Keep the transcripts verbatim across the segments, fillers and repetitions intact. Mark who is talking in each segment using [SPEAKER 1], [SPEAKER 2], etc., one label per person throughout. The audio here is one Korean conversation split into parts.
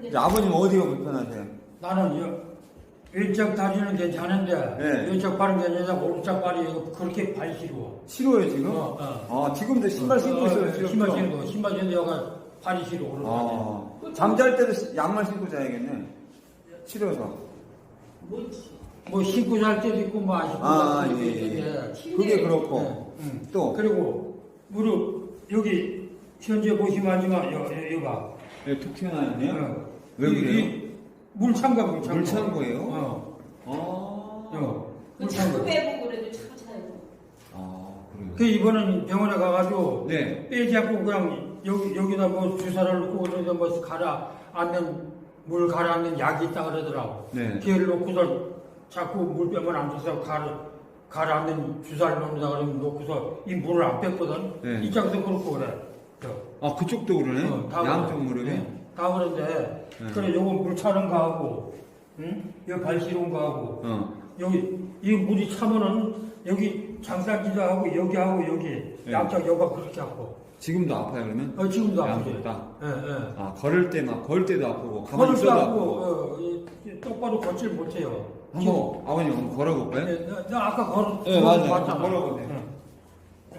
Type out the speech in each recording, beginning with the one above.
[SPEAKER 1] 이제 아버님 어디가 불편하세요?
[SPEAKER 2] 나는 여, 왼쪽 다리는 괜찮은데
[SPEAKER 1] 네.
[SPEAKER 2] 왼쪽 발은 괜찮고 오른쪽 발이 그렇게 발이 시려워.
[SPEAKER 1] 싫어요 지금?
[SPEAKER 2] 어, 어.
[SPEAKER 1] 아 지금도 신발 신고
[SPEAKER 2] 어,
[SPEAKER 1] 있어요
[SPEAKER 2] 어,
[SPEAKER 1] 지금?
[SPEAKER 2] 신발 신고 신발 신고 여가 발이 시려 오른
[SPEAKER 1] 아 잠잘 때도 시- 양말 신고 자야겠네. 싫어서.
[SPEAKER 2] 뭐 신고 잘 때도 있고 뭐 안 신고
[SPEAKER 1] 아,
[SPEAKER 2] 잘 때도
[SPEAKER 1] 예, 예.
[SPEAKER 2] 있는데
[SPEAKER 1] 그게 그렇고
[SPEAKER 2] 네, 음.
[SPEAKER 1] 또
[SPEAKER 2] 그리고 무릎 여기 현재 보시면 하지만 여, 여, 여가
[SPEAKER 1] 네, 툭 튀어나왔네요.
[SPEAKER 2] 어.
[SPEAKER 1] 왜
[SPEAKER 2] 이-
[SPEAKER 1] 그래요?
[SPEAKER 2] 이 물창고 물창고
[SPEAKER 1] 물창고예요?
[SPEAKER 2] 어.
[SPEAKER 1] 아,
[SPEAKER 2] 어.
[SPEAKER 3] 그
[SPEAKER 2] 물창고.
[SPEAKER 3] 자꾸 빼고 그래도 자꾸 차요.
[SPEAKER 1] 아 그래요.
[SPEAKER 2] 그 이번은 병원에 가가지고
[SPEAKER 1] 네.
[SPEAKER 2] 빼지 않고 그냥 여기 여기다 뭐 주사를 놓고 그래서 뭐 가라 앉는 물 가라앉는 약이 있다 그러더라고.
[SPEAKER 1] 네.
[SPEAKER 2] 걔를 놓고서 자꾸 물 빼면 안 돼서 가라 가라앉는 주사를 놓는다 그러면 놓고서 이 물을 안 뺐거든.
[SPEAKER 1] 네.
[SPEAKER 2] 이쪽도 그렇고 그래. 저.
[SPEAKER 1] 아 그쪽도 그러네.
[SPEAKER 2] 어, 다
[SPEAKER 1] 양쪽
[SPEAKER 2] 그래.
[SPEAKER 1] 무릎에.
[SPEAKER 2] 네, 다 그런데
[SPEAKER 1] 네.
[SPEAKER 2] 그래 요거 물 차는 거 하고, 응? 여기 발 시려운 거 하고,
[SPEAKER 1] 어.
[SPEAKER 2] 여기 이 물이 차면은 여기 장사기도 하고 여기 하고 여기
[SPEAKER 1] 네.
[SPEAKER 2] 양쪽 여가 그렇게 하고.
[SPEAKER 1] 지금도 아파요 그러면?
[SPEAKER 2] 어, 지금도 아프지.
[SPEAKER 1] 양쪽 다.
[SPEAKER 2] 예, 예.
[SPEAKER 1] 아 걸을 때막 걸 때도 아프고 가만히
[SPEAKER 2] 걸을 때
[SPEAKER 1] 있어도
[SPEAKER 2] 아프고,
[SPEAKER 1] 아프고.
[SPEAKER 2] 어, 이- 이 똑바로 걷질 못해요.
[SPEAKER 1] 한번 아버님 한번 걸어볼까요?
[SPEAKER 2] 예, 나, 나 아까 걸,
[SPEAKER 1] 네, 맞아요.
[SPEAKER 2] 봤잖아.
[SPEAKER 1] 걸어보세요.
[SPEAKER 2] 예.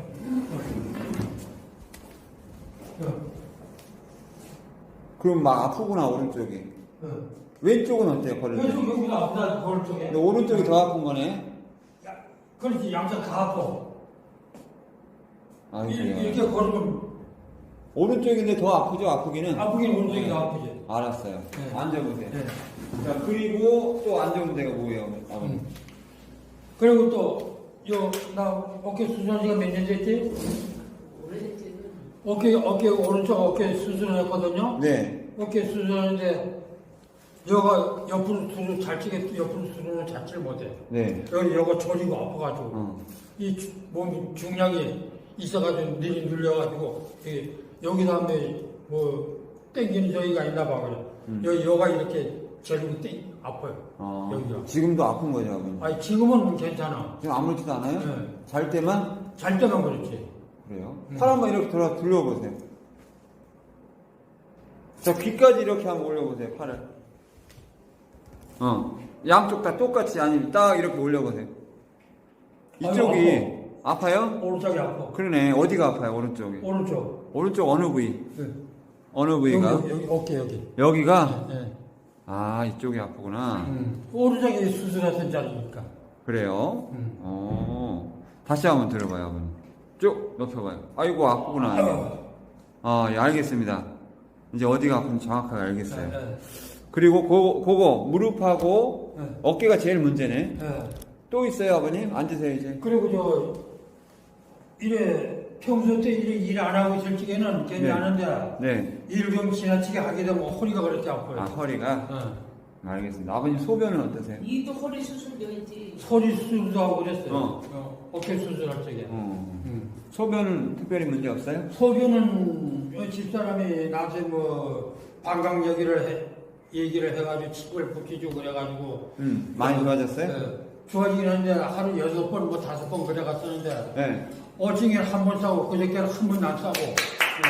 [SPEAKER 2] 예.
[SPEAKER 1] 그럼 막 아프구나 오른쪽이.
[SPEAKER 2] 예.
[SPEAKER 1] 왼쪽은 어때요 걸을 때?
[SPEAKER 2] 왼쪽 여기가 아프다 걸 쪽에.
[SPEAKER 1] 근데 오른쪽이 더 아픈 거네.
[SPEAKER 2] 야, 그렇지 양쪽 다 아파.
[SPEAKER 1] 아
[SPEAKER 2] 이-
[SPEAKER 1] 그래요.
[SPEAKER 2] 이렇게 걸으면
[SPEAKER 1] 오른쪽인데 더 아프죠 아프기는?
[SPEAKER 2] 아프긴 오른쪽이 더 아프지.
[SPEAKER 1] 알았어요.
[SPEAKER 2] 네.
[SPEAKER 1] 앉아보세요.
[SPEAKER 2] 네.
[SPEAKER 1] 자 그리고 또 앉아본 데가 뭐예요 아버님?
[SPEAKER 2] 음. 그리고 또, 요, 나 어깨 수술한 지가 몇 년 됐지?
[SPEAKER 3] 오래됐지.
[SPEAKER 2] 어깨, 어깨, 오른쪽 어깨 수술을 했거든요?
[SPEAKER 1] 네.
[SPEAKER 2] 어깨 수술하는데, 여가 옆으로 수술 잘 치게, 옆으로 수술을 잘 치를 못해.
[SPEAKER 1] 네.
[SPEAKER 2] 여기, 여가 저리고 아파가지고.
[SPEAKER 1] 어.
[SPEAKER 2] 이 주- 몸 중량이 있어가지고, 늘이 눌려가지고, 이 여기다 하면 뭐, 땡기는 저기가 있나 봐, 그래.
[SPEAKER 1] 음.
[SPEAKER 2] 여기, 여가 이렇게 저리고 땡, 아파요.
[SPEAKER 1] 어.
[SPEAKER 2] 여기가.
[SPEAKER 1] 지금도 아픈 거죠 아버님?
[SPEAKER 2] 아니, 지금은 괜찮아.
[SPEAKER 1] 지금 아무렇지도 않아요?
[SPEAKER 2] 네.
[SPEAKER 1] 잘 때만?
[SPEAKER 2] 잘 때만 그렇지.
[SPEAKER 1] 그래요?
[SPEAKER 2] 음.
[SPEAKER 1] 팔 한번 이렇게 돌아 둘러보세요. 자 귀까지 이렇게 한번 올려보세요 팔을. 어. 양쪽 다 똑같이 아니면 딱 이렇게 올려보세요. 이쪽이
[SPEAKER 2] 아유,
[SPEAKER 1] 아파요?
[SPEAKER 2] 오른쪽이 아파.
[SPEAKER 1] 그러네. 어디가 아파요 오른쪽이?
[SPEAKER 2] 오른쪽.
[SPEAKER 1] 오른쪽 어느 부위?
[SPEAKER 2] 네.
[SPEAKER 1] 어느
[SPEAKER 2] 여기,
[SPEAKER 1] 부위가?
[SPEAKER 2] 여기, 여기, 어깨, 여기.
[SPEAKER 1] 여기가?
[SPEAKER 2] 네.
[SPEAKER 1] 아 이쪽이 아프구나.
[SPEAKER 2] 음. 오른쪽이 수술했던 자리니까.
[SPEAKER 1] 그래요?
[SPEAKER 2] 음.
[SPEAKER 1] 어. 다시 한번 들어봐요 아버님. 쭉 높여봐요. 아이고 아프구나.
[SPEAKER 2] 아유.
[SPEAKER 1] 아, 예, 알겠습니다. 이제 어디가 아픈지 정확하게 알겠어요.
[SPEAKER 2] 네, 네.
[SPEAKER 1] 그리고 그거, 그거 무릎하고
[SPEAKER 2] 네.
[SPEAKER 1] 어깨가 제일 문제네.
[SPEAKER 2] 네.
[SPEAKER 1] 또 있어요, 아버님? 앉으세요, 이제.
[SPEAKER 2] 그리고 저, 이래, 평소 때 이래 일 안 하고 있을 적에는 괜히
[SPEAKER 1] 네.
[SPEAKER 2] 하는데,
[SPEAKER 1] 네.
[SPEAKER 2] 일 좀 지나치게 하게 되면 허리가 그렇게 아파요.
[SPEAKER 1] 아, 허리가?
[SPEAKER 2] 네.
[SPEAKER 1] 알겠습니다. 아버님 소변은 어떠세요?
[SPEAKER 3] 이도 허리 수술도 했지.
[SPEAKER 2] 소리 수술도 하고 그랬어요.
[SPEAKER 1] 어.
[SPEAKER 2] 어, 어깨 수술할 적에.
[SPEAKER 1] 어.
[SPEAKER 2] 음.
[SPEAKER 1] 소변은 특별히 문제 없어요?
[SPEAKER 2] 소변은 집사람이 나한테 뭐 방광 얘기를 해, 얘기를 해가지고 칩을 붙여주고 그래가지고
[SPEAKER 1] 음, 많이 좋아졌어요?
[SPEAKER 2] 예, 좋아지긴 하는데 하루 여섯 번 뭐 다섯 번 그래갔었는데
[SPEAKER 1] 네.
[SPEAKER 2] 어징에는 한 번 싸고 그저께는 한 번도 안 싸고 예,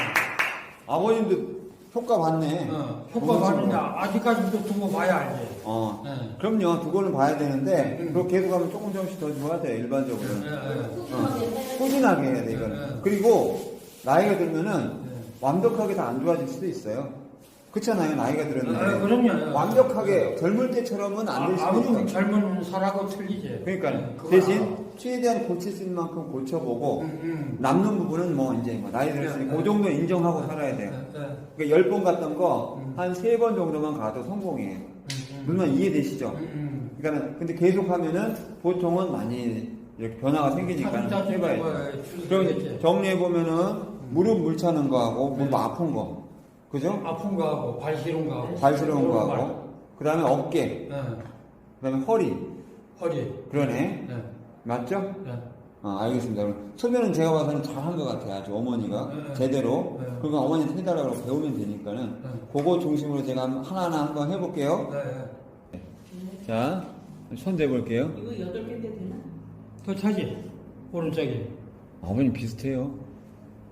[SPEAKER 1] 아버님도 효과 봤네.
[SPEAKER 2] 어, 효과 봤는데 아직까지도 두고 봐야 알지.
[SPEAKER 1] 어.
[SPEAKER 2] 예.
[SPEAKER 1] 그럼요, 두고는 봐야 되는데,
[SPEAKER 2] 음.
[SPEAKER 1] 그거 계속 하면 조금 조금씩 더 좋아져요, 일반적으로.
[SPEAKER 2] 예, 예.
[SPEAKER 3] 꾸준하게 해야
[SPEAKER 1] 꾸준하게 해야 돼, 이거는.
[SPEAKER 2] 네, 네.
[SPEAKER 1] 그리고, 나이가 들면은,
[SPEAKER 2] 네.
[SPEAKER 1] 완벽하게 다 안 좋아질 수도 있어요. 그렇잖아요, 나이가 들었는데.
[SPEAKER 2] 아, 그럼요.
[SPEAKER 1] 완벽하게, 젊을 때처럼은 안 될
[SPEAKER 2] 아,
[SPEAKER 1] 수도
[SPEAKER 2] 아무리
[SPEAKER 1] 있어요.
[SPEAKER 2] 젊은 사람하고 틀리지.
[SPEAKER 1] 그러니까,
[SPEAKER 2] 예, 그거
[SPEAKER 1] 대신,
[SPEAKER 2] 알아.
[SPEAKER 1] 최대한 고칠 수 있는 만큼 고쳐보고,
[SPEAKER 2] 음, 음.
[SPEAKER 1] 남는 부분은 뭐, 이제, 뭐 나이 들었으니,
[SPEAKER 2] 네,
[SPEAKER 1] 그 정도 인정하고 살아야 돼요.
[SPEAKER 2] 예, 예.
[SPEAKER 1] 그러니까 열 번 갔던 거,
[SPEAKER 2] 음.
[SPEAKER 1] 한 세 번 정도만 가도 성공이에요.
[SPEAKER 2] 음, 음.
[SPEAKER 1] 물론 이해되시죠?
[SPEAKER 2] 음, 음.
[SPEAKER 1] 그러니까 근데 계속 하면은 보통은 많이 이렇게 변화가 생기니까
[SPEAKER 2] 차츰
[SPEAKER 1] 해봐야죠.
[SPEAKER 2] 뭐
[SPEAKER 1] 그럼
[SPEAKER 2] 줄이겠지.
[SPEAKER 1] 정리해 보면은 무릎 물 차는 거하고 무릎
[SPEAKER 2] 네.
[SPEAKER 1] 아픈 거, 그죠?
[SPEAKER 2] 아픈 거 하고 발 시린 거 하고
[SPEAKER 1] 발 시려운 거
[SPEAKER 2] 발-
[SPEAKER 1] 하고, 그 다음에 어깨,
[SPEAKER 2] 예,
[SPEAKER 1] 그 다음에 허리,
[SPEAKER 2] 허리.
[SPEAKER 1] 그러네.
[SPEAKER 2] 예,
[SPEAKER 1] 맞죠?
[SPEAKER 2] 예.
[SPEAKER 1] 아, 알겠습니다. 그럼 소변은 제가 봐서는 잘한 것 같아요. 아주 어머니가
[SPEAKER 2] 네.
[SPEAKER 1] 제대로.
[SPEAKER 2] 네.
[SPEAKER 1] 그거 어머니한테 해달라고 배우면 되니까는
[SPEAKER 2] 네.
[SPEAKER 1] 그거 중심으로 제가 하나하나 한번 해볼게요.
[SPEAKER 2] 예, 예.
[SPEAKER 1] 자, 손 대볼게요.
[SPEAKER 3] 이거 여덟 개인데 되나?
[SPEAKER 2] 더 차지 오른쪽에.
[SPEAKER 1] 아버님 비슷해요.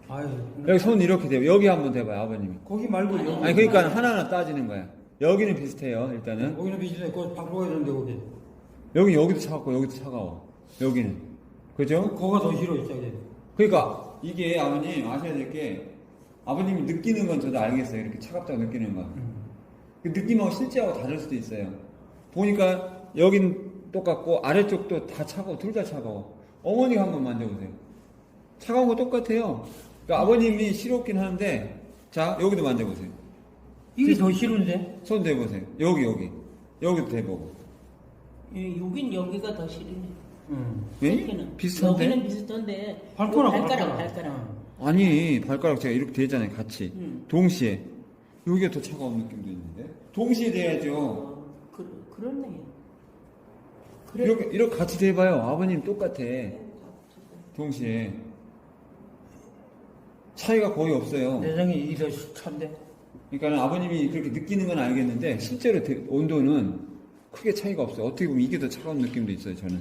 [SPEAKER 2] 아유,
[SPEAKER 1] 여기 손 이렇게 대요. 여기 한번 대봐요, 아버님이.
[SPEAKER 2] 거기 말고 여기.
[SPEAKER 1] 아니, 그러니까 하나하나 따지는 거야. 여기는 비슷해요, 일단은.
[SPEAKER 2] 거기는 비슷해. 거기 바꿔야 되는데 거기.
[SPEAKER 1] 여기, 여기도 차갑고, 여기도 차가워. 여기는. 그죠?
[SPEAKER 2] 거가 더 싫어 저기.
[SPEAKER 1] 그러니까, 이게 아버님 아셔야 될 게, 아버님이 느끼는 건 저도 알겠어요. 이렇게 차갑다고 느끼는 건.
[SPEAKER 2] 음.
[SPEAKER 1] 그 느낌하고 실제하고 다를 수도 있어요. 보니까, 여긴 똑같고, 아래쪽도 다 차가워. 둘 다 차가워. 어머니가 한번 만져보세요. 차가운 거 똑같아요. 그러니까 아버님이 싫었긴 하는데, 자, 여기도 만져보세요.
[SPEAKER 2] 이게 더 싫은데?
[SPEAKER 1] 손 대보세요. 여기, 여기. 여기도 대보고.
[SPEAKER 3] 예, 여긴 여기가 더 싫으네.
[SPEAKER 2] 응.
[SPEAKER 1] 왜?
[SPEAKER 3] 여기는
[SPEAKER 1] 비슷한데?
[SPEAKER 3] 여기는 비슷한데
[SPEAKER 2] 발가락,
[SPEAKER 3] 발가락
[SPEAKER 2] 발가락.
[SPEAKER 3] 발가락.
[SPEAKER 1] 아니, 발가락 제가 이렇게 대잖아요, 같이.
[SPEAKER 3] 음.
[SPEAKER 1] 동시에. 여기가 더 차가운 느낌도 있는데? 동시에 대야죠.
[SPEAKER 3] 어, 그 그렇네. 그래.
[SPEAKER 1] 이렇게, 이렇게 같이 대봐요. 아버님 똑같아. 동시에. 차이가 거의 없어요.
[SPEAKER 2] 내장이 이게 더 찬데?
[SPEAKER 1] 그러니까 아버님이 그렇게 느끼는 건 알겠는데, 실제로 대- 온도는 크게 차이가 없어요. 어떻게 보면 이게 더 차가운 느낌도 있어요, 저는.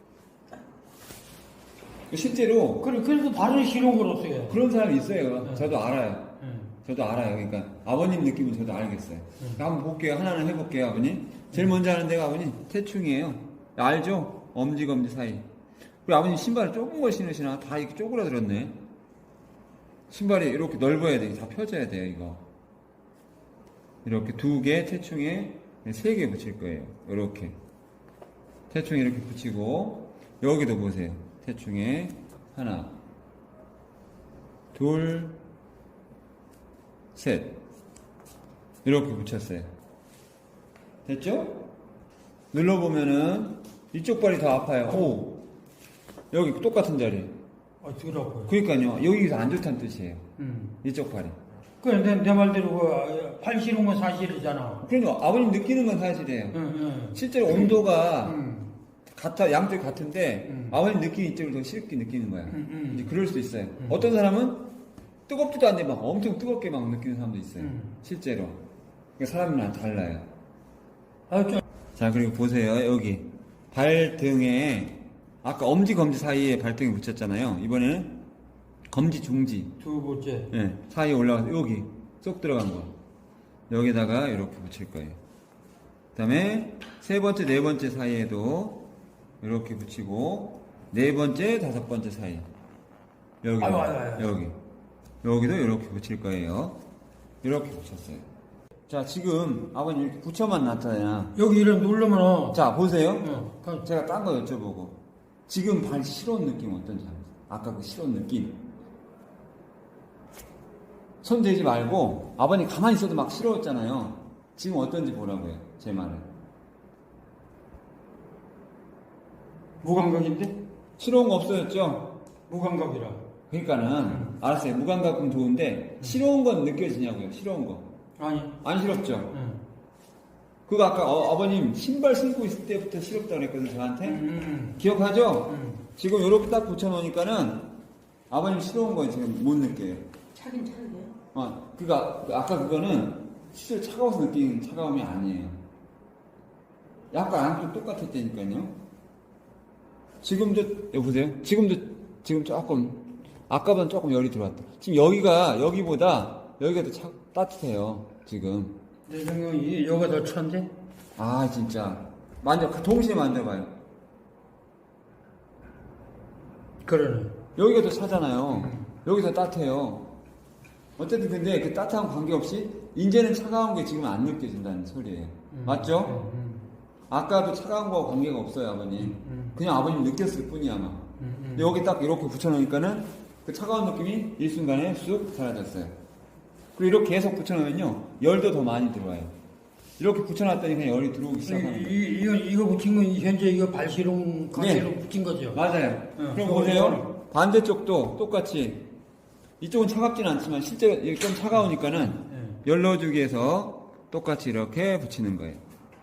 [SPEAKER 1] 실제로
[SPEAKER 2] 그래, 그래도 발은 싫은 걸 없어요.
[SPEAKER 1] 그런 사람이 있어요.
[SPEAKER 2] 네.
[SPEAKER 1] 저도 알아요.
[SPEAKER 2] 응.
[SPEAKER 1] 저도 알아요. 그러니까 아버님 느낌은 저도 알겠어요. 그러니까 한번 볼게요. 하나는 해볼게요, 아버님. 제일 먼저 하는 데가 아버님 태충이에요. 알죠? 엄지 검지 사이. 그리고 아버님 신발을 좁은 걸 신으시나? 다 이렇게 쪼그라들었네. 신발이 이렇게 넓어야 돼. 다 펴져야 돼요, 이거. 이렇게 두 개 태충에 세 개 붙일 거예요. 이렇게 태충에 이렇게 붙이고 여기도 보세요. 태충에 하나, 둘, 셋 이렇게 붙였어요. 됐죠? 눌러보면은 이쪽 발이 더 아파요. 오, 여기 똑같은 자리.
[SPEAKER 2] 아, 더라고요.
[SPEAKER 1] 그러니까요. 여기가 안 좋다는 뜻이에요.
[SPEAKER 2] 응.
[SPEAKER 1] 이쪽 발이.
[SPEAKER 2] 그래, 내, 내 말대로 그, 팔 싫은 건 사실이잖아.
[SPEAKER 1] 그러니까 아버님 느끼는 건 사실이에요.
[SPEAKER 2] 응, 응.
[SPEAKER 1] 실제로 온도가
[SPEAKER 2] 응.
[SPEAKER 1] 같아, 양쪽이 같은데
[SPEAKER 2] 음.
[SPEAKER 1] 아버님 느끼는 이쪽을 더 쉽게 느끼는 거야.
[SPEAKER 2] 음, 음.
[SPEAKER 1] 이제 그럴 수도 있어요.
[SPEAKER 2] 음.
[SPEAKER 1] 어떤 사람은 뜨겁지도 않는데 막 엄청 뜨겁게 막 느끼는 사람도 있어요.
[SPEAKER 2] 음.
[SPEAKER 1] 실제로. 그러니까 사람이랑 달라요.
[SPEAKER 2] 아, 좀.
[SPEAKER 1] 자, 그리고 보세요. 여기 발등에 아까 엄지 검지 사이에 발등에 붙였잖아요. 이번에는 검지 중지
[SPEAKER 2] 두 번째.
[SPEAKER 1] 예, 사이에 올라가서 여기 쏙 들어간 거 여기다가 이렇게 붙일 거예요. 그 다음에 세 번째 네 번째 사이에도 이렇게 붙이고 네 번째 다섯 번째 사이 여기
[SPEAKER 2] 아유, 아유, 아유.
[SPEAKER 1] 여기 여기도 이렇게 붙일 거예요. 이렇게 붙였어요. 자, 지금 아버님 이렇게 붙여만 놨잖아요.
[SPEAKER 2] 여기 이름 누르면,
[SPEAKER 1] 자, 보세요.
[SPEAKER 2] 응. 그,
[SPEAKER 1] 제가 딴 거 여쭤보고 지금 발 실온 느낌 어떤지 알아요? 아까 그 실온 느낌 손 대지 말고 아버님 가만히 있어도 막 시러웠잖아요. 지금 어떤지 보라고요. 제 말을.
[SPEAKER 2] 무감각인데?
[SPEAKER 1] 시러운 거 없어졌죠?
[SPEAKER 2] 무감각이라.
[SPEAKER 1] 그러니까는 알았어요. 무감각은 좋은데 시러운 건 느껴지냐고요. 시러운 거.
[SPEAKER 2] 아니.
[SPEAKER 1] 안 시럽죠?
[SPEAKER 2] 응.
[SPEAKER 1] 그거 아까 어, 아버님 신발 신고 있을 때부터 시럽다고 그랬거든요. 저한테.
[SPEAKER 2] 응, 응,
[SPEAKER 1] 기억하죠?
[SPEAKER 2] 응.
[SPEAKER 1] 지금 이렇게 딱 붙여놓으니까는 아버님 시러운 거 지금 못 느껴요.
[SPEAKER 3] 차긴 차네요.
[SPEAKER 1] 어, 그니까, 아까 그거는 실제로 차가워서 느끼는 차가움이 아니에요. 약간 안쪽 똑같았다니까요. 지금도, 여보세요? 지금도, 지금 조금, 아까보다 조금 열이 들어왔다. 지금 여기가, 여기보다, 여기가 더 차, 따뜻해요. 지금.
[SPEAKER 2] 내 생각이 여기가 더 찬데?
[SPEAKER 1] 아, 진짜. 만져, 동시에 만져봐요.
[SPEAKER 2] 그러네.
[SPEAKER 1] 여기가 더 차잖아요. 여기 더 따뜻해요. 어쨌든 근데 그 따뜻한 관계없이 이제는 차가운 게 지금 안 느껴진다는 소리예요.
[SPEAKER 2] 음.
[SPEAKER 1] 맞죠?
[SPEAKER 2] 응, 응.
[SPEAKER 1] 아까도 차가운 거와 관계가 없어요, 아버님.
[SPEAKER 2] 음.
[SPEAKER 1] 그냥 아버님 느꼈을 뿐이야, 아마.
[SPEAKER 2] 응, 응.
[SPEAKER 1] 근데 여기 딱 이렇게 붙여놓으니까는 그 차가운 느낌이 일순간에 쑥 사라졌어요. 그리고 이렇게 계속 붙여놓으면요, 열도 더 많이 들어와요. 이렇게 붙여놨더니 그냥 열이 들어오기 시작하는
[SPEAKER 2] 이,
[SPEAKER 1] 거예요.
[SPEAKER 2] 이, 이거, 이거 붙인 건 현재 이거 발시롱 관계로
[SPEAKER 1] 네.
[SPEAKER 2] 붙인 거죠?
[SPEAKER 1] 맞아요.
[SPEAKER 2] 응,
[SPEAKER 1] 그럼
[SPEAKER 2] 그거
[SPEAKER 1] 보세요. 반대쪽도 똑같이. 이쪽은 차갑진 않지만 실제로 이게 좀 차가우니까는
[SPEAKER 2] 응.
[SPEAKER 1] 열 넣어주기 위해서 똑같이 이렇게 붙이는 거예요.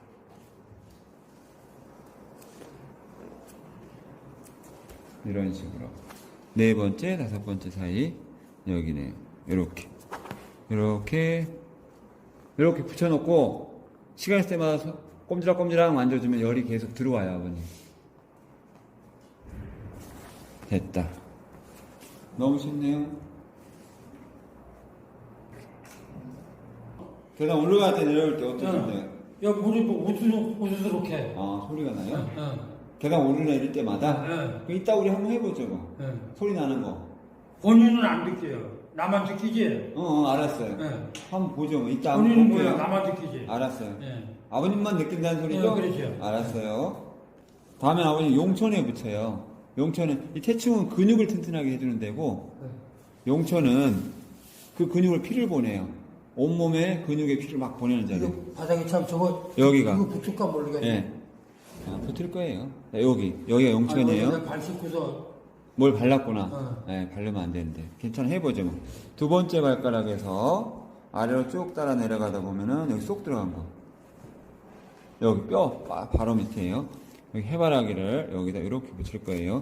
[SPEAKER 1] 이런 식으로. 네 번째, 다섯 번째 사이, 여기네요. 이렇게. 이렇게, 이렇게 붙여놓고, 시간 있을 때마다 소- 꼼지락꼼지락 만져주면 열이 계속 들어와요, 아버님. 됐다. 너무 쉽네요. 계단 올라갈 때 내려올 때 어떠신데요?
[SPEAKER 2] 여기 무릎이 우스룩, 우스룩해.
[SPEAKER 1] 아, 소리가 나요?
[SPEAKER 2] 응,
[SPEAKER 1] 계단 오르내릴 때마다?
[SPEAKER 2] 응,
[SPEAKER 1] 그럼 이따 우리 한번 해보죠, 뭐.
[SPEAKER 2] 응.
[SPEAKER 1] 소리 나는 거.
[SPEAKER 2] 본인은 안 느껴요. 나만 느끼지?
[SPEAKER 1] 어, 어 알았어요.
[SPEAKER 2] 응.
[SPEAKER 1] 한번 보죠, 뭐. 이따 한번
[SPEAKER 2] 본인은
[SPEAKER 1] 볼게요.
[SPEAKER 2] 뭐야? 나만 느끼지?
[SPEAKER 1] 알았어요.
[SPEAKER 2] 예.
[SPEAKER 1] 아버님만 느낀다는 소리죠?
[SPEAKER 2] 네, 그렇죠.
[SPEAKER 1] 알았어요. 다음에 아버님 용천에 붙여요. 용천은, 이 태충은 근육을 튼튼하게 해주는 데고, 용천은 그 근육을 피를 보내요. 온몸에 근육의 피를 막 보내는 자리.
[SPEAKER 2] 이거 바닥에 참 저거
[SPEAKER 1] 여기가.
[SPEAKER 2] 이거 붙을까 모르겠네.
[SPEAKER 1] 예. 아, 붙을 거예요. 자, 여기. 여기가 용천이에요.
[SPEAKER 2] 아, 발 씻고서
[SPEAKER 1] 뭘 발랐구나.
[SPEAKER 2] 어.
[SPEAKER 1] 예, 바르면 안 되는데. 괜찮아, 해보죠, 뭐. 두 번째 발가락에서 아래로 쭉 따라 내려가다 보면은 여기 쏙 들어간 거. 여기 뼈 바- 바로 밑에요. 여기 해바라기를 여기다 이렇게 붙일 거예요.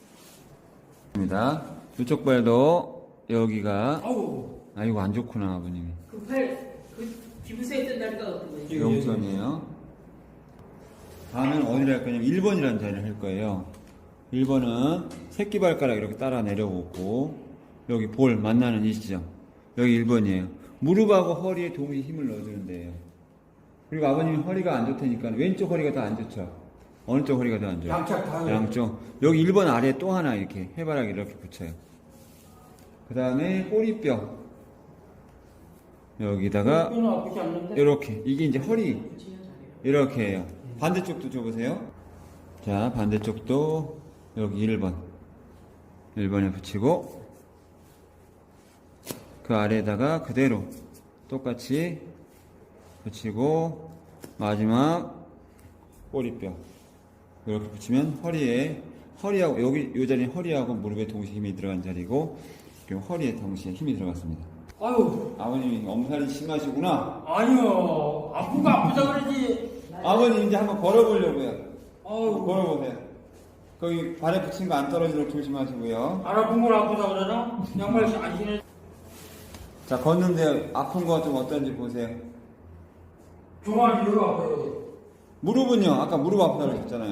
[SPEAKER 1] 입니다. 이쪽 발도 여기가
[SPEAKER 2] 아우
[SPEAKER 1] 아 이거 안 좋구나 아버님이.
[SPEAKER 3] 그 팔, 그 비부서에 뜬다니까 어떤 거예요?
[SPEAKER 2] 예,
[SPEAKER 1] 용선이에요. 다음은 어디를 할 거냐면 일 번이라는 자리를 할 거예요. 일 번은 새끼 발가락 이렇게 따라 내려오고 여기 볼 만나는 이 지점 여기 일 번이에요. 무릎하고 허리에 동시에 힘을 넣어주는 데예요. 그리고 아버님이 허리가 안 좋다니까 왼쪽 허리가 더 안 좋죠. 어느 쪽 허리가 더 안 좋아요?
[SPEAKER 2] 양쪽 다
[SPEAKER 1] 양쪽. 여기 일 번 아래에 또 하나 이렇게 해바라기 이렇게 붙여요. 그 다음에 꼬리뼈 여기다가
[SPEAKER 2] 뼈는 아프지 않는데?
[SPEAKER 1] 이렇게 이게 이제 허리
[SPEAKER 3] 붙이면 잘해요.
[SPEAKER 1] 이렇게 해요. 반대쪽도 줘보세요. 자, 반대쪽도 여기 일 번. 일 번에 붙이고, 그 아래에다가 그대로 똑같이 붙이고, 마지막 꼬리뼈. 이렇게 붙이면 허리에, 허리하고, 여기, 이 자리는 허리하고 무릎에 동시에 힘이 들어간 자리고, 그리고 허리에 동시에 힘이 들어갔습니다.
[SPEAKER 2] 아유
[SPEAKER 1] 아버님이 엄살이 심하시구나.
[SPEAKER 2] 아니요 아프고 아프다 그러지.
[SPEAKER 1] 아버님 이제 한번 걸어보려고요.
[SPEAKER 2] 아유
[SPEAKER 1] 걸어보세요. 거기 발에 붙인 거 안 떨어지도록 조심하시고요.
[SPEAKER 2] 안 아픈 걸 아프다 그러나? 양말 안 신어.
[SPEAKER 1] 자, 걷는데 아픈 거 좀 어떤지 보세요.
[SPEAKER 2] 종아리 여기 아파요.
[SPEAKER 1] 무릎은요? 아까 무릎 아프다고 그랬잖아요.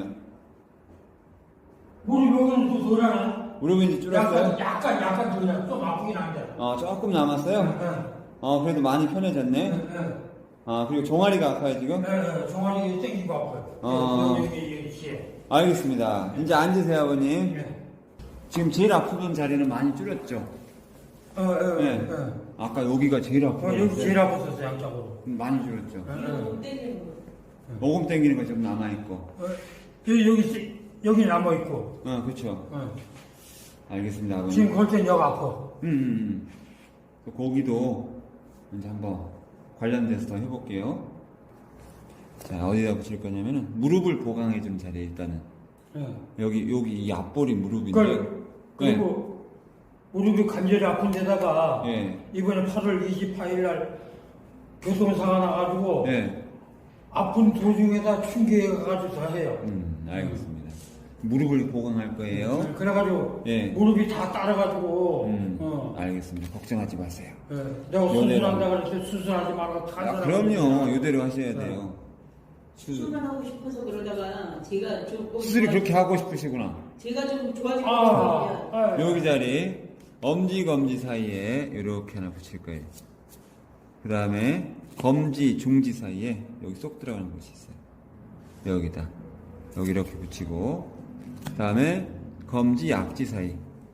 [SPEAKER 2] 무릎 여기는 또 덜하네.
[SPEAKER 1] 무릎이 이제 줄었어요?
[SPEAKER 2] 약간 약간 약간 덜해. 좀 아프긴 한데.
[SPEAKER 1] 어, 조금 남았어요?
[SPEAKER 2] 응,
[SPEAKER 1] 어, 그래도 많이 편해졌네.
[SPEAKER 2] 응, 응.
[SPEAKER 1] 아, 그리고 종아리가 아파요, 지금?
[SPEAKER 2] 네, 네, 종아리 땡기고 아파요.
[SPEAKER 1] 어.
[SPEAKER 2] 여기 여기 여기 시에.
[SPEAKER 1] 알겠습니다. 이제 앉으세요, 아버님.
[SPEAKER 2] 네.
[SPEAKER 1] 지금 제일 아프던 자리는 많이 줄였죠?
[SPEAKER 2] 어, 어,
[SPEAKER 1] 네.
[SPEAKER 2] 어.
[SPEAKER 1] 아까 여기가 제일
[SPEAKER 2] 어,
[SPEAKER 1] 아프고.
[SPEAKER 2] 여기 제일 아팠었어 양쪽으로.
[SPEAKER 1] 많이 줄였죠?
[SPEAKER 2] 어,
[SPEAKER 3] 이거
[SPEAKER 2] 어.
[SPEAKER 3] 못 때리는 거.
[SPEAKER 1] 모금 땡기는 거 좀 남아있고.
[SPEAKER 2] 어, 여기 여기 시- 여기 남아 있고.
[SPEAKER 1] 어, 그쵸.
[SPEAKER 2] 어.
[SPEAKER 1] 알겠습니다, 아버님.
[SPEAKER 2] 지금 걸 땐 여기 아파.
[SPEAKER 1] 음, 음, 음. 거기도 이제 한번 관련돼서 더 해볼게요. 자, 어디다 붙일 거냐면은 무릎을 보강해주는 자리에 일단은
[SPEAKER 2] 예.
[SPEAKER 1] 여기 여기 이 앞볼이 무릎인데.
[SPEAKER 2] 그걸 그리고 무릎이 간절히 아픈 데다가
[SPEAKER 1] 예.
[SPEAKER 2] 이번에 팔월 이십팔일 날 교통사가 나가지고
[SPEAKER 1] 예.
[SPEAKER 2] 아픈 도중에다 충격해가지고 다 해요.
[SPEAKER 1] 음, 알겠습니다. 무릎을 보강할 거예요.
[SPEAKER 2] 네, 그래가지고
[SPEAKER 1] 예.
[SPEAKER 2] 무릎이 다 따라가지고
[SPEAKER 1] 음,
[SPEAKER 2] 어.
[SPEAKER 1] 알겠습니다. 걱정하지 마세요.
[SPEAKER 2] 예. 내가
[SPEAKER 1] 요대로.
[SPEAKER 2] 수술한다 그랬을 때 수술하지 말고
[SPEAKER 1] 아,
[SPEAKER 2] 탄산하고
[SPEAKER 1] 그럼요. 이대로 하셔야
[SPEAKER 2] 네.
[SPEAKER 1] 돼요. 수술.
[SPEAKER 3] 수술을 하고 싶어서 그러다가 제가 조금
[SPEAKER 1] 수술이
[SPEAKER 3] 좋아지-
[SPEAKER 1] 그렇게 하고 싶으시구나.
[SPEAKER 3] 제가 좀 좋아지고
[SPEAKER 2] 아,
[SPEAKER 3] 싶어요.
[SPEAKER 2] 아,
[SPEAKER 1] 여기 자리 엄지 검지 사이에 이렇게 하나 붙일 거예요. 그 다음에 검지 중지 사이에 여기 쏙 들어가는 곳이 있어요. 여기다 여기 이렇게 붙이고 그 다음에 검지 약지 사이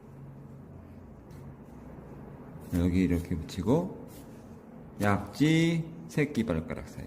[SPEAKER 1] 여기 이렇게 붙이고 약지 새끼 발가락 사이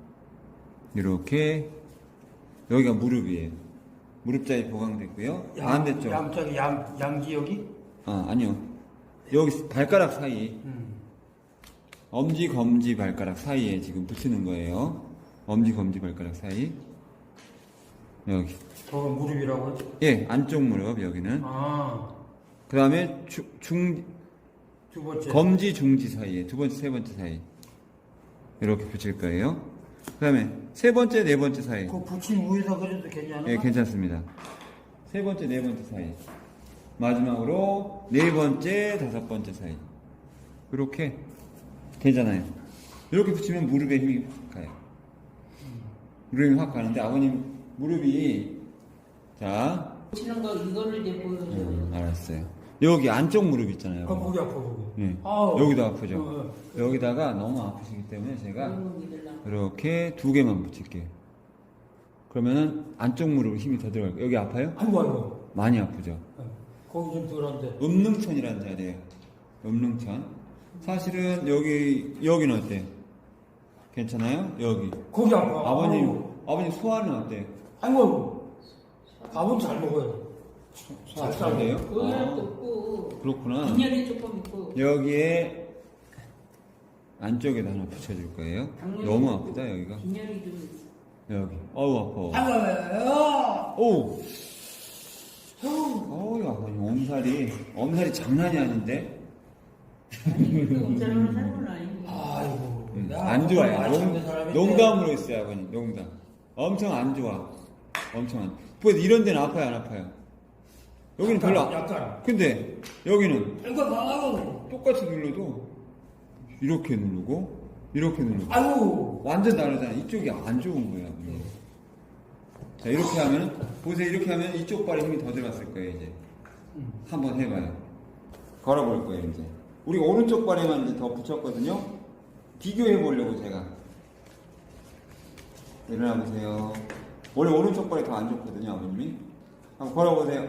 [SPEAKER 1] 이렇게 여기가 무릎이에요. 무릎 자리 보강됐고요.
[SPEAKER 2] 양-
[SPEAKER 1] 반대쪽
[SPEAKER 2] 양쪽 양 양지 여기.
[SPEAKER 1] 아, 아니요. 여기 발가락 사이,
[SPEAKER 2] 음.
[SPEAKER 1] 엄지, 검지, 발가락 사이에 지금 붙이는 거예요. 엄지, 검지, 발가락 사이. 여기.
[SPEAKER 2] 저거 무릎이라고.
[SPEAKER 1] 예, 안쪽 무릎, 여기는.
[SPEAKER 2] 아,
[SPEAKER 1] 그 다음에 중,
[SPEAKER 2] 두 번째.
[SPEAKER 1] 검지, 중지 사이에, 두 번째, 세 번째 사이. 이렇게 붙일 거예요. 그 다음에 세 번째, 네 번째 사이.
[SPEAKER 2] 그 붙인 위에서 그래도 괜찮아?
[SPEAKER 1] 예, 괜찮습니다. 세 번째, 네 번째 사이. 마지막으로 네 번째, 다섯 번째 사이. 이렇게 되잖아요. 이렇게 붙이면 무릎에 힘이 확 가요. 무릎이 확 가는데 아버님 무릎이 자,
[SPEAKER 3] 붙이는 거 이거를 이제 보여줘요.
[SPEAKER 1] 음, 알았어요. 여기 안쪽 무릎 있잖아요.
[SPEAKER 2] 아, 거기 아파, 거기.
[SPEAKER 1] 예.
[SPEAKER 2] 아우.
[SPEAKER 1] 여기도 아프죠.
[SPEAKER 2] 어, 어.
[SPEAKER 1] 여기다가 너무 아프시기 때문에 제가
[SPEAKER 3] 너무 믿으려고.
[SPEAKER 1] 이렇게 두 개만 붙일게요. 그러면은 안쪽 무릎 힘이 더 들어갈 거예요. 여기 아파요?
[SPEAKER 2] 아이고, 아이고.
[SPEAKER 1] 많이 아프죠.
[SPEAKER 2] 어, 거기 좀 덜한데.
[SPEAKER 1] 음릉천이라는 자리예요. 음릉천. 사실은 여기 여기는 어때요? 괜찮아요? 여기.
[SPEAKER 2] 거기 아파.
[SPEAKER 1] 아버님
[SPEAKER 2] 아이고.
[SPEAKER 1] 아버님 소화는 어때요?
[SPEAKER 2] 아이고. 밥은 잘 먹어요.
[SPEAKER 1] 소화 잘 돼요?
[SPEAKER 3] 고혈압도
[SPEAKER 1] 아,
[SPEAKER 3] 없고
[SPEAKER 1] 그렇구나.
[SPEAKER 3] 빈혈이 조금 있고
[SPEAKER 1] 여기에 안쪽에다 하나 붙여줄 거예요.
[SPEAKER 3] 당뇨
[SPEAKER 1] 너무
[SPEAKER 3] 있고,
[SPEAKER 1] 아프다 여기가.
[SPEAKER 3] 빈혈이 좀 있어.
[SPEAKER 1] 여기. 어우 아파.
[SPEAKER 2] 아이고.
[SPEAKER 1] 오. 어우 아버님 엄살이 엄살이 장난이 아닌데.
[SPEAKER 3] 아니 그 엄살하는 사람은 아닌데.
[SPEAKER 2] 아이고.
[SPEAKER 1] 음,
[SPEAKER 2] 내가
[SPEAKER 1] 안 좋아요.
[SPEAKER 2] 많이 찾는
[SPEAKER 1] 농,
[SPEAKER 2] 사람인데.
[SPEAKER 1] 농담으로 했어요 아버님. 농담. 엄청 안 좋아. 엄청 안. 그래서 이런 데는 아파요 안 아파요? 여기는
[SPEAKER 2] 약간,
[SPEAKER 1] 별로. 안-
[SPEAKER 2] 약간.
[SPEAKER 1] 근데 여기는
[SPEAKER 2] 이거 나가고.
[SPEAKER 1] 똑같이 눌러도 이렇게 누르고 이렇게 누르고
[SPEAKER 2] 아이고.
[SPEAKER 1] 완전 다르잖아. 이쪽이 안 좋은 거야. 아버님. 자 이렇게 하면 보세요. 이렇게 하면 이쪽 발에 힘이 더 들어갔을 거예요 이제.
[SPEAKER 2] 음.
[SPEAKER 1] 한번 해봐요. 걸어볼 거예요 이제. 우리가 오른쪽 발에만 이제 더 붙였거든요. 비교해 보려고 제가. 일어나 보세요. 원래 오른쪽 발이 더 안 좋거든요 아버님이. 한번 걸어보세요.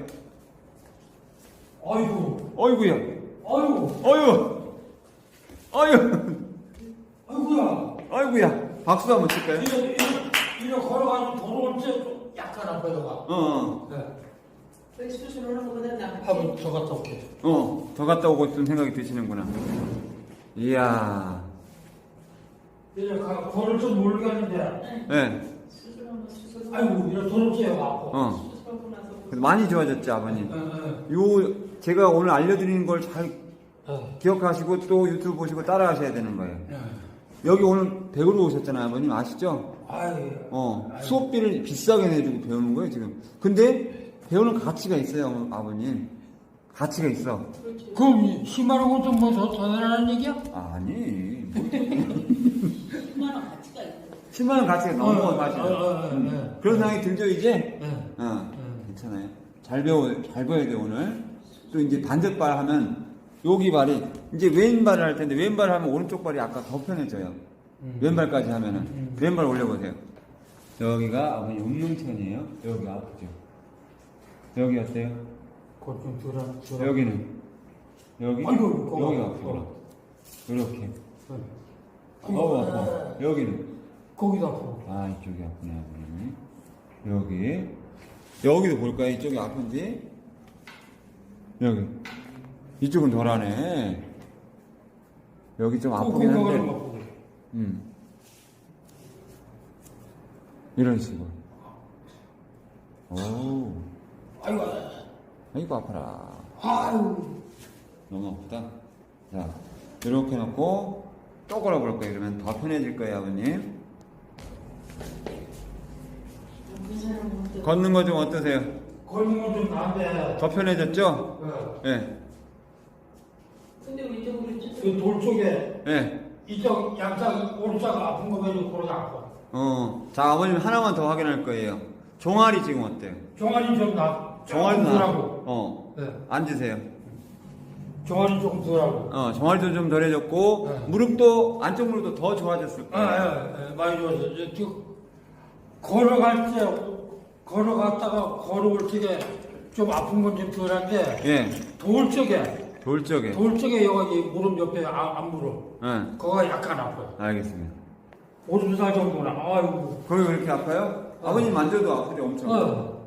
[SPEAKER 2] 아이고.
[SPEAKER 1] 어이구야.
[SPEAKER 2] 아이고.
[SPEAKER 1] 어유. 어유.
[SPEAKER 2] 아이고야.
[SPEAKER 1] 아이구야. 박수 한번 칠까요?
[SPEAKER 2] 이거, 이거, 이거 걸어가지고 돌아올 때 약간 아파요.
[SPEAKER 1] 어. 어.
[SPEAKER 2] 네.
[SPEAKER 3] 그 수술하는 것보다 낫지.
[SPEAKER 2] 한번 더 갔다 올게.
[SPEAKER 1] 어, 더 갔다 오고 싶은 생각이 드시는구나. 이야.
[SPEAKER 2] 이제 가, 걸을 줄 모르겠는데.
[SPEAKER 1] 네.
[SPEAKER 3] 수술하면 수술.
[SPEAKER 2] 아이고, 이거 돌아올 때 아파.
[SPEAKER 1] 어.
[SPEAKER 3] 수술하고 나서
[SPEAKER 1] 그래서 많이 좋아졌죠, 아버님.
[SPEAKER 2] 예, 예.
[SPEAKER 1] 요, 제가 오늘 알려드리는 걸 잘
[SPEAKER 2] 예.
[SPEAKER 1] 기억하시고 또 유튜브 보시고 따라 하셔야 되는 거예요.
[SPEAKER 2] 예.
[SPEAKER 1] 여기 오늘 배우러 오셨잖아요, 아버님. 아시죠?
[SPEAKER 2] 아이.
[SPEAKER 1] 어, 수업비를 비싸게 내주고 배우는 거예요, 지금. 근데 배우는 가치가 있어요, 아버님. 가치가 있어.
[SPEAKER 3] 그렇죠.
[SPEAKER 2] 그럼 십만 원 것도 뭐더 더 내라는 얘기야?
[SPEAKER 1] 아니.
[SPEAKER 3] 십만 원 가치가 있어.
[SPEAKER 1] 십만 원 가치가 너무
[SPEAKER 2] 어,
[SPEAKER 1] 가치가.
[SPEAKER 2] 어, 어, 어,
[SPEAKER 1] 음.
[SPEAKER 2] 어.
[SPEAKER 1] 그런 생각이 들죠, 이제?
[SPEAKER 2] 예.
[SPEAKER 1] 어,
[SPEAKER 2] 음.
[SPEAKER 1] 괜찮아요. 잘 배워, 잘 배워야 돼, 오늘. 또 이제 반대발 하면, 여기 발이, 이제 왼발을 할 텐데, 왼발 하면 오른쪽 발이 아까 더 편해져요.
[SPEAKER 2] 음.
[SPEAKER 1] 왼발까지 하면은.
[SPEAKER 2] 음.
[SPEAKER 1] 왼발 올려보세요. 여기가 아버님 운명천이에요. 여기 아프죠. 여기 어때요?
[SPEAKER 2] 그좀 들어, 들어.
[SPEAKER 1] 여기는. 여기?
[SPEAKER 2] 아이고, 거기
[SPEAKER 1] 여기가
[SPEAKER 2] 아파.
[SPEAKER 1] 아프구나. 이렇게.
[SPEAKER 2] 예.
[SPEAKER 1] 어우, 아파. 여기는.
[SPEAKER 2] 거기도 아파.
[SPEAKER 1] 아, 이쪽이 아프네, 아버님. 여기. 여기도 볼까요? 이쪽이 아픈지? 여기. 이쪽은 덜하네. 여기 좀 아프긴 한데.
[SPEAKER 2] 아프고.
[SPEAKER 1] 음. 이런 식으로. 오.
[SPEAKER 2] 아이고.
[SPEAKER 1] 아이고, 아파라.
[SPEAKER 2] 아유.
[SPEAKER 1] 너무 아프다. 자, 이렇게 놓고 또 걸어볼 거예요. 그러면 더 편해질 거예요, 아버님.
[SPEAKER 3] 그 사람은 또
[SPEAKER 1] 걷는 거 좀 어떠세요?
[SPEAKER 2] 걸는 건좀 나은데.
[SPEAKER 1] 더 편해졌죠?
[SPEAKER 2] 예.
[SPEAKER 1] 예.
[SPEAKER 3] 근데 왼쪽으로 쭉
[SPEAKER 2] 그 돌 쪽에
[SPEAKER 1] 예.
[SPEAKER 2] 이쪽 양쪽 오른쪽 아픈 거 가지고 걸어가 아파.
[SPEAKER 1] 어. 자, 아버님 하나만 더 확인할 거예요. 종아리 지금 어때요?
[SPEAKER 2] 종아리 좀 나.
[SPEAKER 1] 종아리
[SPEAKER 2] 조금
[SPEAKER 1] 나.
[SPEAKER 2] 덜하고.
[SPEAKER 1] 어.
[SPEAKER 2] 네.
[SPEAKER 1] 앉으세요.
[SPEAKER 2] 종아리 조금 덜하고.
[SPEAKER 1] 어, 종아리도 좀 덜해졌고,
[SPEAKER 2] 네.
[SPEAKER 1] 무릎도, 안쪽 무릎도 더 좋아졌을 거예요.
[SPEAKER 2] 아, 예, 예, 많이 좋았어. 이제 쭉 걸어갈 때 걸어갔다가 걸어올 적에 좀 아픈 건 좀 덜한데
[SPEAKER 1] 예.
[SPEAKER 2] 돌 쪽에
[SPEAKER 1] 돌 쪽에.
[SPEAKER 2] 돌 쪽에 여기 무릎 옆에 아, 앞무릎
[SPEAKER 1] 예.
[SPEAKER 2] 거가 약간 아파요.
[SPEAKER 1] 알겠습니다.
[SPEAKER 2] 오줌살 정도나. 아이고.
[SPEAKER 1] 거기 왜 이렇게 아파요?
[SPEAKER 2] 어.
[SPEAKER 1] 아버님 만져도 아프죠, 엄청.
[SPEAKER 2] 어.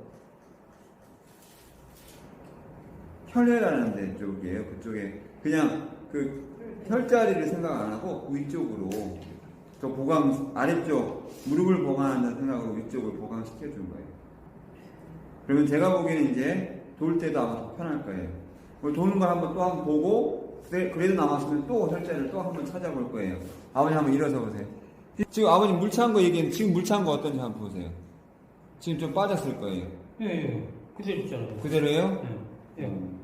[SPEAKER 1] 혈례라는 데 쪽이에요. 그쪽에 그냥 그 혈자리를 생각 안 하고 위쪽으로 저 보강 아래쪽 무릎을 보강한다는 생각으로 위쪽을 보강시켜 준 거예요. 그러면 제가 보기에는 이제 돌 때도 아마 더 편할 거예요. 그리고 도는 걸 한번 또 한번 보고 그래, 그래도 남았으면 또 혈자리를 또 한번 찾아볼 거예요. 아버님 한번 일어서 보세요. 지금 아버님 물 찬 거 얘기했는데 지금 물 찬 거 어떤지 한번 보세요. 지금 좀 빠졌을 거예요.
[SPEAKER 2] 예, 예. 그대로 있잖아요.
[SPEAKER 1] 그대로예요?
[SPEAKER 2] 예. 예.
[SPEAKER 1] 음.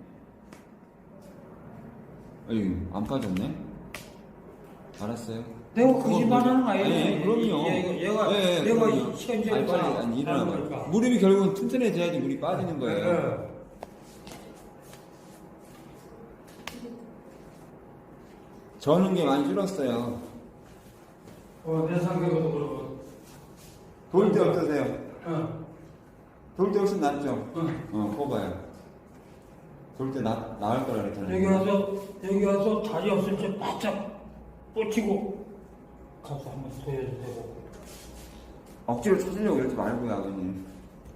[SPEAKER 1] 아유, 안 빠졌네? 알았어요.
[SPEAKER 2] 내가
[SPEAKER 1] 그건
[SPEAKER 2] 거짓말하는 거
[SPEAKER 1] 뭐죠?
[SPEAKER 2] 아니에요?
[SPEAKER 1] 아니, 그럼요.
[SPEAKER 2] 얘- 얘가
[SPEAKER 1] 예, 예,
[SPEAKER 2] 내가
[SPEAKER 1] 그럼요.
[SPEAKER 2] 시간제로
[SPEAKER 1] 아니, 빨리,
[SPEAKER 2] 다
[SPEAKER 1] 아니, 일어나봐.
[SPEAKER 2] 하는 거니까.
[SPEAKER 1] 무릎이 결국은 튼튼해져야지 물이 빠지는 거예요.
[SPEAKER 2] 예.
[SPEAKER 1] 저는 게 많이 줄었어요.
[SPEAKER 2] 어, 내 상태로도 그러고.
[SPEAKER 1] 돌 때 어떠세요?
[SPEAKER 2] 어,
[SPEAKER 1] 돌 때 훨씬 낫죠?
[SPEAKER 2] 어.
[SPEAKER 1] 어, 뽑아요. 돌 때 나, 나을 거라 그랬잖아요.
[SPEAKER 2] 여기 와서, 여기 와서 다리 없을 때 바짝 뻗치고 가서 한번 소해도 되고.
[SPEAKER 1] 억지로 찾으려고 이러지 말고요, 아버님.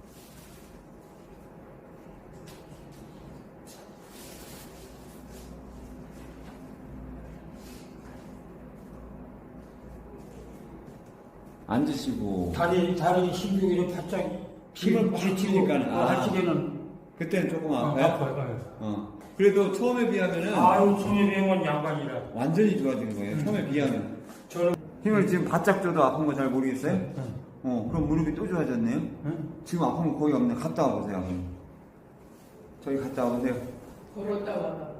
[SPEAKER 1] 앉으시고.
[SPEAKER 2] 다리, 다리 신경이 바짝 힘을 막
[SPEAKER 1] 치니까는,
[SPEAKER 2] 치고
[SPEAKER 1] 아.
[SPEAKER 2] 할 적에는
[SPEAKER 1] 그때는 조금
[SPEAKER 2] 어,
[SPEAKER 1] 아파요?
[SPEAKER 2] 아파요.
[SPEAKER 1] 어. 그래도 처음에 비하면은
[SPEAKER 2] 아유, 처음에 배운 양반이라.
[SPEAKER 1] 완전히 좋아진 거예요.
[SPEAKER 2] 음.
[SPEAKER 1] 처음에 비하면.
[SPEAKER 2] 저는,
[SPEAKER 1] 힘을 지금 바짝 줘도 아픈 거 잘 모르겠어요?
[SPEAKER 2] 응,
[SPEAKER 1] 어, 그럼 무릎이 또 좋아졌네요?
[SPEAKER 2] 응.
[SPEAKER 1] 지금 아픈 거 거의 없네. 갔다 와보세요, 아버님. 저기 갔다 와보세요.
[SPEAKER 3] 걸었다 와.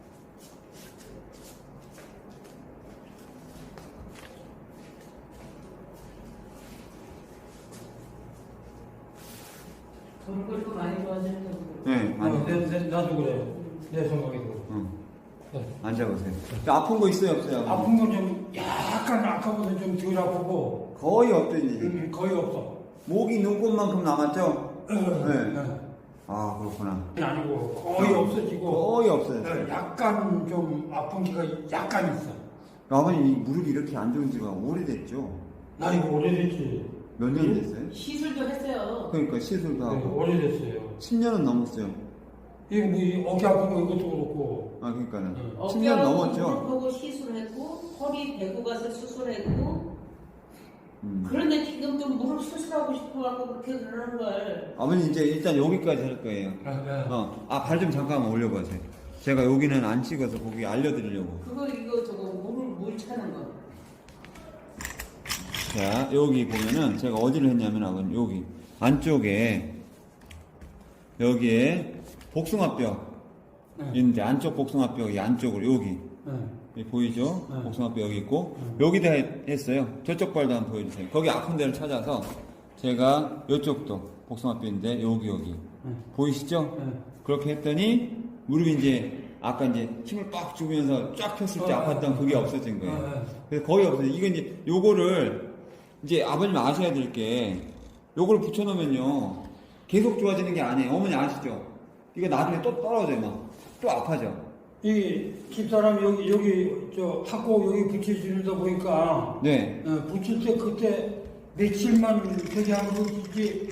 [SPEAKER 3] 걸을 거 많이 좋아지는 거.
[SPEAKER 1] 네,
[SPEAKER 2] 어,
[SPEAKER 1] 앉아.
[SPEAKER 2] 내, 내, 나도 그래. 내 생각에도.
[SPEAKER 1] 응.
[SPEAKER 2] 네.
[SPEAKER 1] 앉아보세요. 아픈 거 있어요, 없어요? 아버님?
[SPEAKER 2] 아픈 건 좀 약간 아까보다 좀 덜 아프고
[SPEAKER 1] 거의 없더니.
[SPEAKER 2] 음, 거의 없어.
[SPEAKER 1] 목이 눈곱만큼 남았죠?
[SPEAKER 2] 네.
[SPEAKER 1] 네. 아, 그렇구나.
[SPEAKER 2] 아니고 거의 없어지고
[SPEAKER 1] 거의 없어요.
[SPEAKER 2] 네, 약간 좀 아픈 기가 약간 있어.
[SPEAKER 1] 아버님, 이 무릎이 이렇게 안 좋은 지가 오래됐죠?
[SPEAKER 2] 나 이거 오래됐지.
[SPEAKER 1] 몇 년 됐어요?
[SPEAKER 3] 시술도 했어요.
[SPEAKER 1] 그러니까 시술도
[SPEAKER 2] 네,
[SPEAKER 1] 하고.
[SPEAKER 2] 오래됐어요.
[SPEAKER 1] 십 년은 넘었어요.
[SPEAKER 2] 이거 뭐 이 어깨 아픈 거 이것도 그렇고.
[SPEAKER 1] 아, 그러니까는.
[SPEAKER 2] 네.
[SPEAKER 1] 십 년 넘었죠?
[SPEAKER 3] 무릎하고 시술했고 허리 대고 가서 수술했고
[SPEAKER 1] 음.
[SPEAKER 3] 그런데 지금 좀 무릎 수술하고 싶어갖고 그렇게 그러는 걸.
[SPEAKER 1] 아버님, 이제 일단 여기까지 할 거예요.
[SPEAKER 2] 아, 네.
[SPEAKER 1] 어, 아, 발 좀 잠깐만 올려보세요. 제가 여기는 안 찍어서 거기 알려드리려고.
[SPEAKER 3] 그거 이거 저거 물을 물 차는 거.
[SPEAKER 1] 자, 여기 보면은 제가 어디를 했냐면 아버님, 여기 안쪽에 여기에 복숭아뼈
[SPEAKER 2] 네.
[SPEAKER 1] 있는데 안쪽 복숭아뼈 이 안쪽으로 여기
[SPEAKER 2] 네.
[SPEAKER 1] 여기 보이죠?
[SPEAKER 2] 네.
[SPEAKER 1] 복숭아뼈 여기 있고 여기다 했- 했어요. 저쪽 발도 한번 보여주세요. 거기 아픈 데를 찾아서 제가 이쪽도 복숭아뼈인데 여기 여기
[SPEAKER 2] 네.
[SPEAKER 1] 보이시죠?
[SPEAKER 2] 네.
[SPEAKER 1] 그렇게 했더니 무릎이 이제 아까 이제 힘을 빡 주면서 쫙 폈을 때
[SPEAKER 2] 어,
[SPEAKER 1] 아팠던
[SPEAKER 2] 어,
[SPEAKER 1] 그게
[SPEAKER 2] 어.
[SPEAKER 1] 없어진 거예요.
[SPEAKER 2] 어, 어.
[SPEAKER 1] 그래서 거의 없어요. 이거 이제 요거를 이제 아버님 아셔야 될 게 요거를 붙여놓으면요 계속 좋아지는 게 아니에요. 어머니 아시죠? 이거 나중에 또 떨어져요. 막 또 아파져.
[SPEAKER 2] 이 집사람 여기 여기 저 탁구 여기 붙여주는다 보니까
[SPEAKER 1] 네.
[SPEAKER 2] 어, 붙일 때 그때 며칠만 되게 하면 그지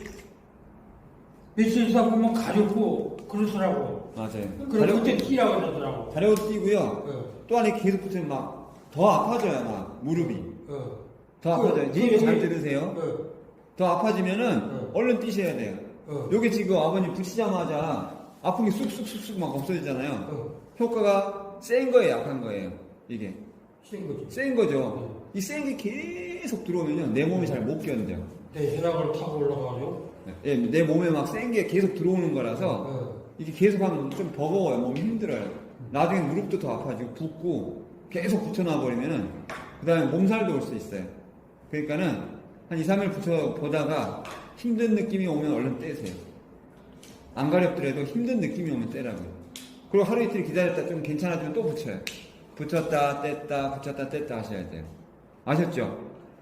[SPEAKER 2] 며칠 있다 보면 가렵고 그러더라고.
[SPEAKER 1] 맞아요.
[SPEAKER 2] 그래 그때 뛰라고 그러더라고.
[SPEAKER 1] 가려고 뛰고요.
[SPEAKER 2] 어,
[SPEAKER 1] 또 안에 계속 붙으면 막 더 아파져요. 막 무릎이
[SPEAKER 2] 어.
[SPEAKER 1] 더
[SPEAKER 2] 그,
[SPEAKER 1] 아파져요.
[SPEAKER 2] 그
[SPEAKER 1] 얘기 잘
[SPEAKER 2] 여기-
[SPEAKER 1] 들으세요.
[SPEAKER 2] 어,
[SPEAKER 1] 더 아파지면은
[SPEAKER 2] 어.
[SPEAKER 1] 얼른 뛰셔야 돼요.
[SPEAKER 2] 어.
[SPEAKER 1] 요게 지금 아버님 붙이자마자 아픈 게 쑥쑥쑥쑥 막 없어지잖아요.
[SPEAKER 2] 어.
[SPEAKER 1] 효과가 센 거예요, 약한 거예요. 이게
[SPEAKER 2] 쉬운 거지.
[SPEAKER 1] 센 거죠.
[SPEAKER 2] 어.
[SPEAKER 1] 이 센 게 계속 들어오면요 내 몸이 잘 못 견뎌요.
[SPEAKER 2] 내 혈압을 타고 올라가죠.
[SPEAKER 1] 예, 내 몸에 막 센 게 계속 들어오는 거라서
[SPEAKER 2] 어.
[SPEAKER 1] 이게 계속 하면 좀 버거워요. 몸이 힘들어요. 나중에 무릎도 더 아파지고 붓고 계속 붙여놔 버리면은 그 다음에 몸살도 올 수 있어요. 그러니까는 한 이, 삼 일 붙여 보다가 힘든 느낌이 오면 얼른 떼세요. 안 가렵더라도 힘든 느낌이 오면 떼라고요. 그리고 하루 이틀 기다렸다 좀 괜찮아지면 또 붙여요. 붙였다 뗐다 붙였다 뗐다 하셔야 돼요. 아셨죠?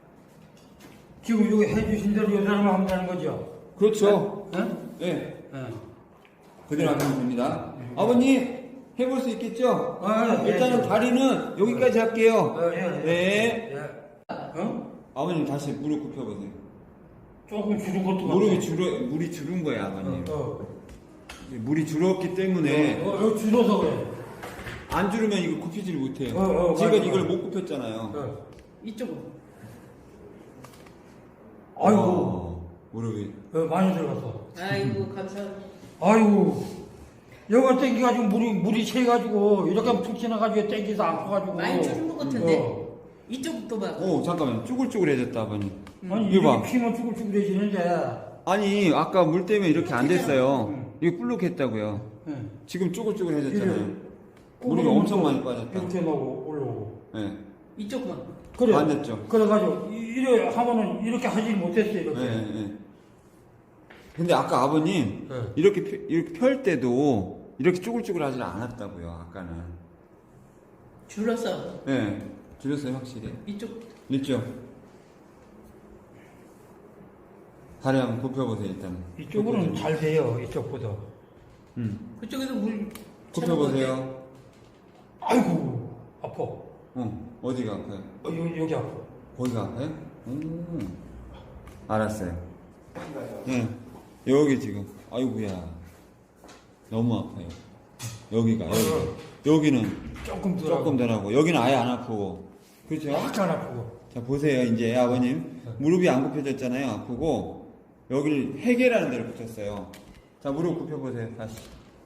[SPEAKER 2] 지금 여기 해주신 대로 이 사람을 하면 되는 거죠.
[SPEAKER 1] 그렇죠.
[SPEAKER 2] 네?
[SPEAKER 1] 네.
[SPEAKER 2] 네.
[SPEAKER 1] 그대로 하면 됩니다. 아버님 해볼 수 있겠죠?
[SPEAKER 2] 아, 예,
[SPEAKER 1] 일단은
[SPEAKER 2] 예.
[SPEAKER 1] 다리는 여기까지 할게요.
[SPEAKER 2] 어, 예, 예.
[SPEAKER 1] 네.
[SPEAKER 2] 예. 어?
[SPEAKER 1] 아버님 다시 무릎 굽혀보세요.
[SPEAKER 2] 조금 줄은 것도
[SPEAKER 1] 무릎이 줄어 물이 줄은 거예요, 아버님.
[SPEAKER 2] 어, 어.
[SPEAKER 1] 물이 줄었기 때문에
[SPEAKER 2] 어, 어, 줄어서 그래.
[SPEAKER 1] 안 줄으면 이거 굽히질 못해요.
[SPEAKER 2] 어, 어,
[SPEAKER 1] 지금
[SPEAKER 2] 맞아,
[SPEAKER 1] 이걸
[SPEAKER 2] 맞아.
[SPEAKER 1] 못 굽혔잖아요.
[SPEAKER 2] 어.
[SPEAKER 3] 이쪽으로.
[SPEAKER 2] 아이고,
[SPEAKER 1] 어, 무릎이.
[SPEAKER 2] 어, 많이 들어갔어.
[SPEAKER 3] 아이고 감사합니다.
[SPEAKER 2] 아이고, 여기가 땡겨가지고 물이, 물이 채가지고 이렇게 툭 지나가지고 땡겨서 아파가지고.
[SPEAKER 3] 많이 줄은 것 같은데.
[SPEAKER 2] 어.
[SPEAKER 3] 이쪽부터 봐.
[SPEAKER 1] 오 잠깐만 쭈글쭈글해졌다 아버님.
[SPEAKER 2] 아니,
[SPEAKER 1] 이거 봐.
[SPEAKER 2] 이게 피면 쭈글쭈글해지는데.
[SPEAKER 1] 아니 아까 물 때문에 이렇게 안 됐어요.
[SPEAKER 2] 응.
[SPEAKER 1] 이게 불룩했다고요.
[SPEAKER 2] 예.
[SPEAKER 1] 지금 쭈글쭈글해졌잖아요.
[SPEAKER 2] 이래.
[SPEAKER 1] 물이
[SPEAKER 2] 꼬부리면
[SPEAKER 1] 엄청
[SPEAKER 2] 또
[SPEAKER 1] 많이 빠졌다.
[SPEAKER 2] 이렇게 나오고 올라오고.
[SPEAKER 1] 네.
[SPEAKER 3] 이쪽만.
[SPEAKER 2] 그래.
[SPEAKER 1] 안 됐죠.
[SPEAKER 2] 그래가지고, 이- 이래 하면은 이렇게 하지 못했어요, 이렇게.
[SPEAKER 1] 네, 네. 근데 아까 아버님
[SPEAKER 2] 네.
[SPEAKER 1] 이렇게 펴- 이렇게 펼 때도 이렇게 쭈글쭈글 하지 않았다고요. 아까는
[SPEAKER 3] 줄었어.
[SPEAKER 1] 네, 줄였어요 확실히.
[SPEAKER 3] 이쪽
[SPEAKER 1] 있죠? 다리 한번 굽혀보세요 일단.
[SPEAKER 2] 이쪽으로는 잘 돼요. 이쪽보다.
[SPEAKER 1] 음.
[SPEAKER 3] 그쪽에도 물.
[SPEAKER 1] 굽혀보세요.
[SPEAKER 2] 아이고 아파.
[SPEAKER 1] 어, 어디가 아파요?
[SPEAKER 2] 어, 여기, 여기 아파.
[SPEAKER 1] 거기가 아파요? 음. 알았어요. 예, 여기 지금. 아이고야. 너무 아파요. 여기가, 여기가. 여기는
[SPEAKER 2] 조금 더
[SPEAKER 1] 조금 덜 하고, 여기는 아예 안 아프고. 그렇죠?
[SPEAKER 2] 약간 아프고.
[SPEAKER 1] 자, 보세요. 이제 아버님. 무릎이 안 굽혀졌잖아요. 아프고. 여기를 해계라는 데를 붙였어요. 자, 무릎 굽혀보세요. 다시.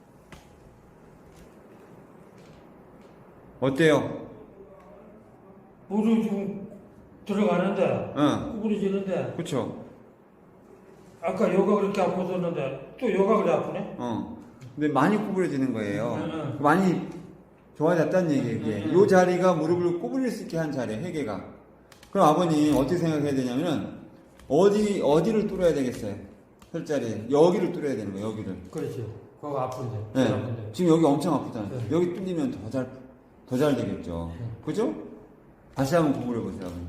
[SPEAKER 1] 어때요?
[SPEAKER 2] 물이 좀 들어가는데
[SPEAKER 1] 응.
[SPEAKER 2] 구부러지는데
[SPEAKER 1] 그쵸?
[SPEAKER 2] 아까 여가 그렇게 아팠었는데 또 여가 그래 아프네?
[SPEAKER 1] 어. 근데 많이 구부러지는 거예요.
[SPEAKER 2] 응, 응.
[SPEAKER 1] 많이 좋아졌다는 얘기예요, 이게.
[SPEAKER 2] 응, 응.
[SPEAKER 1] 이 자리가 무릎을 구부릴 수 있게 한 자리예요, 해계가. 그럼 아버님, 어떻게 생각해야 되냐면은, 어디, 어디를 뚫어야 되겠어요? 혈자리. 여기를 뚫어야 되는 거예요, 여기를.
[SPEAKER 2] 그렇지. 그거 아픈데.
[SPEAKER 1] 네.
[SPEAKER 2] 제일 아픈데.
[SPEAKER 1] 지금 여기 엄청 아프잖아요.
[SPEAKER 2] 네.
[SPEAKER 1] 여기 뚫리면 더 잘, 더 잘 되겠죠.
[SPEAKER 2] 네.
[SPEAKER 1] 그죠? 다시 한번 구부려 보세요, 아버님.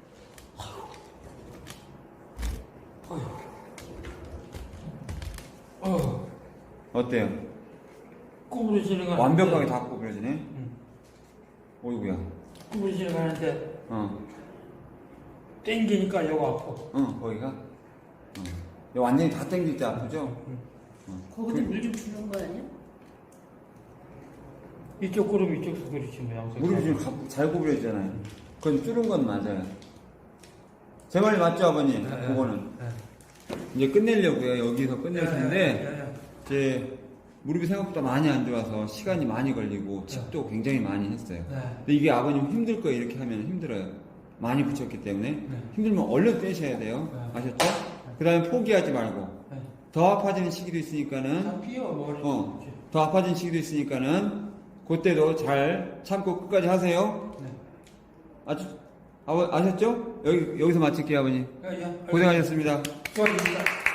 [SPEAKER 2] 어,
[SPEAKER 1] 어때요?
[SPEAKER 2] 구부러지는 거
[SPEAKER 1] 완벽하게
[SPEAKER 2] 하는데,
[SPEAKER 1] 다 구부러지네?
[SPEAKER 2] 응.
[SPEAKER 1] 어이구야.
[SPEAKER 2] 구부러지는 거 하는데
[SPEAKER 1] 어.
[SPEAKER 2] 땡기니까 여가 아파.
[SPEAKER 1] 어, 거기가? 어. 여기 완전히 다 땡길 때 아프죠?
[SPEAKER 2] 응.
[SPEAKER 1] 어.
[SPEAKER 3] 거기도 물 좀 주는 거 아니야?
[SPEAKER 2] 이쪽 구름 이쪽도 그렇지 뭐 양쪽.
[SPEAKER 1] 무릎이 지금 가- 잘 구부려지잖아요. 그건 뚫은 건 맞아요. 제 말이 맞죠, 아버님?
[SPEAKER 2] 네, 네.
[SPEAKER 1] 그거는.
[SPEAKER 2] 네.
[SPEAKER 1] 이제 끝내려고요. 여기서 끝낼
[SPEAKER 2] 네,
[SPEAKER 1] 텐데,
[SPEAKER 2] 네, 네.
[SPEAKER 1] 이제 무릎이 생각보다 많이 안 좋아서 시간이 많이 걸리고 칩도 굉장히 많이 했어요.
[SPEAKER 2] 네.
[SPEAKER 1] 근데 이게 아버님 힘들 거예요. 이렇게 하면 힘들어요. 많이 붙였기 때문에.
[SPEAKER 2] 네.
[SPEAKER 1] 힘들면 얼른 떼셔야 돼요.
[SPEAKER 2] 네.
[SPEAKER 1] 아셨죠? 그 다음에 포기하지 말고.
[SPEAKER 2] 네.
[SPEAKER 1] 더 아파지는 시기도 있으니까는,
[SPEAKER 2] 다 피어 머리.
[SPEAKER 1] 어, 더 아파지는 시기도 있으니까는, 그때도 잘 참고 끝까지 하세요.
[SPEAKER 2] 네.
[SPEAKER 1] 아주, 아, 아셨죠? 여기, 여기서 마칠게요, 아버님.
[SPEAKER 2] 야, 야.
[SPEAKER 1] 고생하셨습니다.
[SPEAKER 2] 수고하셨습니다.